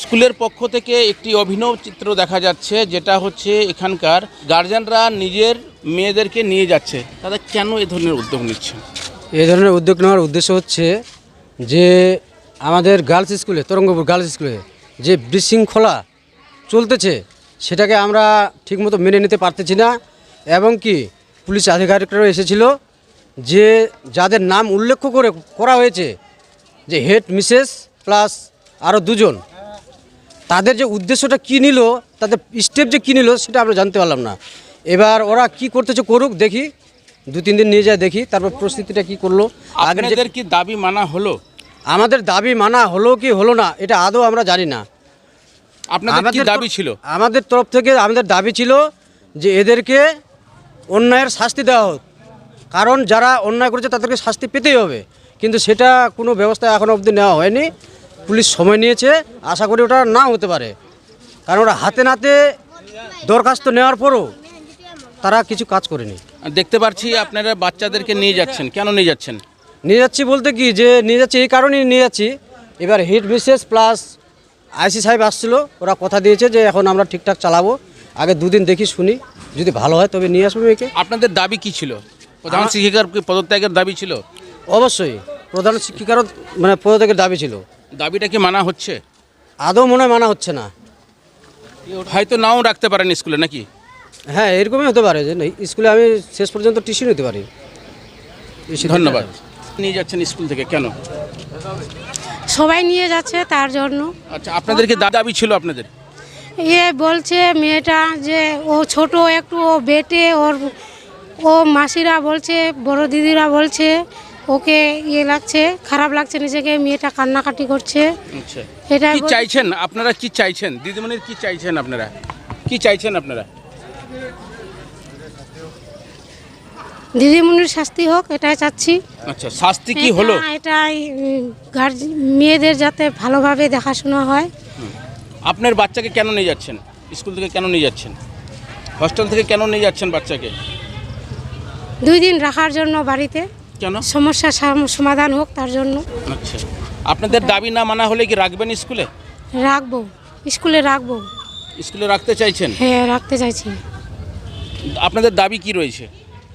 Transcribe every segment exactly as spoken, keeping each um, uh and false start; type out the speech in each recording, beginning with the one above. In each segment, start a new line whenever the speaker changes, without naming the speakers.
স্কুলের পক্ষ থেকে একটি অভিনব চিত্র দেখা যাচ্ছে, যেটা হচ্ছে এখানকার গার্জিয়ানরা নিজের মেয়েদেরকে নিয়ে যাচ্ছে। তারা কেন এ ধরনের উদ্যোগ নিচ্ছে?
এই ধরনের উদ্যোগ নেওয়ার উদ্দেশ্য হচ্ছে যে আমাদের গার্লস স্কুলে, তরঙ্গপুর গার্লস স্কুলে যে বিশৃঙ্খলা চলতেছে সেটাকে আমরা ঠিকমতো মেনে নিতে পারতেছি না। এবং কি পুলিশ আধিকারিকরাও এসেছিল, যে যাদের নাম উল্লেখ করে করা হয়েছে, যে হেড মিসেস প্লাস আরও দুজন, তাদের যে উদ্দেশ্যটা কী নিল, তাদের স্টেপ যে কী নিল সেটা আমরা জানতে পারলাম না। এবার ওরা কি করতেছে করুক, দেখি দু তিন দিন নিয়ে যায়, দেখি তারপর পরিস্থিতিটা কি করলো।
আপনাদের কি দাবি মানা হলো?
আমাদের দাবি মানা হলো কি হলো না এটা আদৌ আমরা জানি না।
আপনাদের কি দাবি ছিল?
আমাদের তরফ থেকে আমাদের দাবি ছিল যে এদেরকে অন্যায়ের শাস্তি দেওয়া হোক, কারণ যারা অন্যায় করেছে তাদেরকে শাস্তি পেতেই হবে। কিন্তু সেটা কোনো ব্যবস্থা এখনও অবধি নেওয়া হয়নি। পুলিশ সময় নিয়েছে, আশা করি ওটা না হতে পারে, কারণ ওরা হাতে নাতে দরখাস্ত নেওয়ার পরও তারা কিছু কাজ করেনি।
দেখতে পাচ্ছি আপনারা বাচ্চাদেরকে নিয়ে যাচ্ছেন, কেন নিয়ে যাচ্ছেন?
নিয়ে যাচ্ছি বলতে কি, যে নিয়ে যাচ্ছি এই কারণেই নিয়ে যাচ্ছি, এবার হেড মিসেস প্লাস আইসি সাহেব আসছিলো, ওরা কথা দিয়েছে যে এখন আমরা ঠিকঠাক চালাবো, আগে দুদিন দেখি শুনি, যদি ভালো হয় তবে নিয়ে আসবো মেয়েকে।
আপনাদের দাবি কি ছিল? প্রধান শিক্ষিকার পদত্যাগের দাবি ছিল?
অবশ্যই প্রধান শিক্ষিকারও মানে পদত্যাগের দাবি ছিল।
দাবিটা কি মানা হচ্ছে?
আদৌ মনে হয় মানা হচ্ছে না।
হয়তো নাও রাখতে পারেন স্কুলে, নাকি?
হ্যাঁ, এরকমই হতে পারে যে স্কুলে আমি শেষ পর্যন্ত টিউশন হতে পারি।
ধন্যবাদ। নিয়ে যাচ্ছেন স্কুল থেকে কেন?
সবাই নিয়ে যাচ্ছে তার জন্য।
আচ্ছা, আপনাদের কি দাবি ছিল আপনাদের?
এ বলছে মেয়েটা যে ও ছোট একটু, ও বেটে, ওর ও মাসিরা বলছে, বড় দিদিরা বলছে ওকে ইয়ে লাগছে, খারাপ লাগছে নিজেকে, মেয়েটা কান্নাকাটি করছে।
আচ্ছা,
এটা
কি চাইছেন আপনারা? কি চাইছেন দিদিমণির? কি চাইছেন আপনারা? কি চাইছেন আপনারা?
দিদিমণির শাস্তি হোক, এটাই চাচ্ছি।
আচ্ছা, শাস্তি কি হলো?
এটাই গার্জিয়ান মেয়েদের যাতে ভালোভাবে দেখাশোনা হয়।
আপনার বাচ্চাকে কেন নিয়ে যাচ্ছেন? স্কুল থেকে কেন নিয়ে যাচ্ছেন? হস্টেল থেকে কেন নিয়ে যাচ্ছেন বাচ্চাকে?
দুই দিন রাখার জন্য বাড়িতে,
কেন?
সমস্যার সমাধান হোক তার জন্য।
আচ্ছা, আপনাদের দাবি না মানা হলে কি রাখবেন স্কুলে?
রাখবো, স্কুলে রাখবো।
স্কুলে রাখতে চাইছেন?
হ্যাঁ, রাখতে চাইছি।
আপনাদের দাবি কি রয়েছে?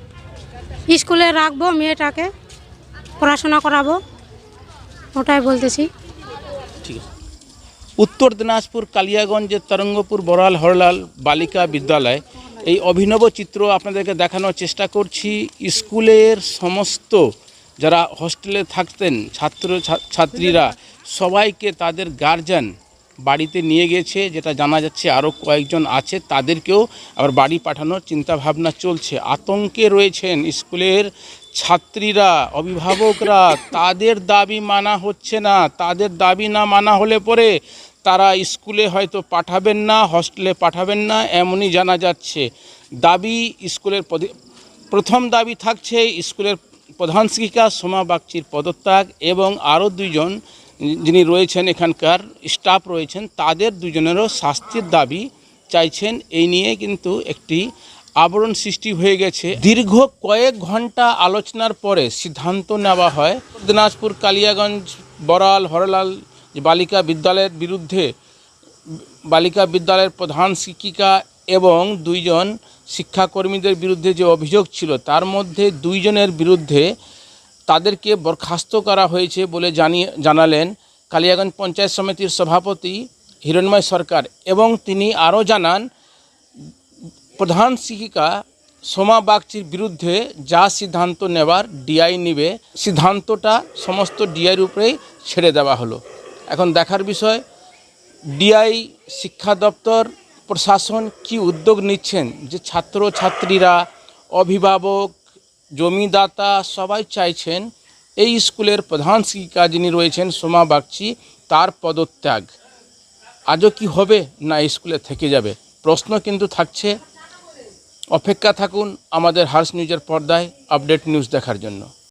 স্কুলে রাখবো, মেয়েটাকে পড়াশোনা করাবো, ওটাই বলতেছি।
ঠিক আছে। উত্তর দিনাজপুর কালিয়াগঞ্জের তরঙ্গপুর বড়াল হরলাল বালিকা বিদ্যালয়, এই অভিনব চিত্র আপনাদেরকে দেখানোর চেষ্টা করছি। স্কুলের সমস্ত যারা হস্টেলে থাকতেন ছাত্র ছাত্রীরা সবাইকে তাদের গার্জিয়ান বাড়িতে নিয়ে গেছে, যেটা জানা যাচ্ছে আরও কয়েকজন আছে, তাদেরকেও আবার বাড়ি পাঠানোর চিন্তাভাবনা চলছে। আতঙ্কে রয়েছেন স্কুলের ছাত্রীরা, অভিভাবকরা। তাদের দাবি মানা হচ্ছে না। তাদের দাবি না মানা হলে পরে তারা স্কুলে হয়তো পাঠাবেন না, হস্টেলে পাঠাবেন না, এমনই জানা যাচ্ছে। দাবি স্কুলের প্রথম দাবি থাকছে স্কুলের প্রধান শিক্ষিকা সোমা বাগচির পদত্যাগ, এবং আরও দুইজন যিনি রয়েছেন এখানকার স্টাফ রয়েছেন, তাদের দুজনেরও শাস্তির দাবি চাইছেন। এই নিয়ে কিন্তু একটি আবরণ সৃষ্টি হয়ে গেছে। দীর্ঘ কয়েক ঘন্টা আলোচনার পরে সিদ্ধান্ত নেওয়া হয় দিনাজপুর কালিয়াগঞ্জ বড়াল হরলাল বালিকা বিদ্যালয়ের বিরুদ্ধে, বালিকা বিদ্যালয়ের প্রধান শিক্ষিকা এবং দুইজন শিক্ষাকর্মীদের বিরুদ্ধে যে অভিযোগ ছিল, তার মধ্যে দুইজনের বিরুদ্ধে তাদেরকে বরখাস্ত করা হয়েছে বলে জানিয়ে জানালেন কালিয়াগঞ্জ পঞ্চায়েত সমিতির সভাপতি হিরণময় সরকার। এবং তিনি আরও জানান, প্রধান শিক্ষিকা সোমা বাগচির বিরুদ্ধে যা সিদ্ধান্ত নেবার ডিআই নেবে, সিদ্ধান্তটা সমস্ত ডিআইয়ের উপরেই ছেড়ে দেওয়া হলো। এখন দেখার বিষয় ডিআই, শিক্ষা দপ্তর, প্রশাসন কি উদ্যোগ নিচ্ছেন, যে ছাত্র ছাত্রীরা, অভিভাবক, জমিদাতা সবাই চাইছেন এই স্কুলের প্রধান শিক্ষিকা যিনি রয়েছেন সোমা বাগচি, তার পদত্যাগ। আজও কি হবে, না স্কুলে থেকে যাবে? প্রশ্ন কিন্তু থাকছে। অপেক্ষা থাকুন আমাদের হার্স নিউজের পর্দায় আপডেট নিউজ দেখার জন্য।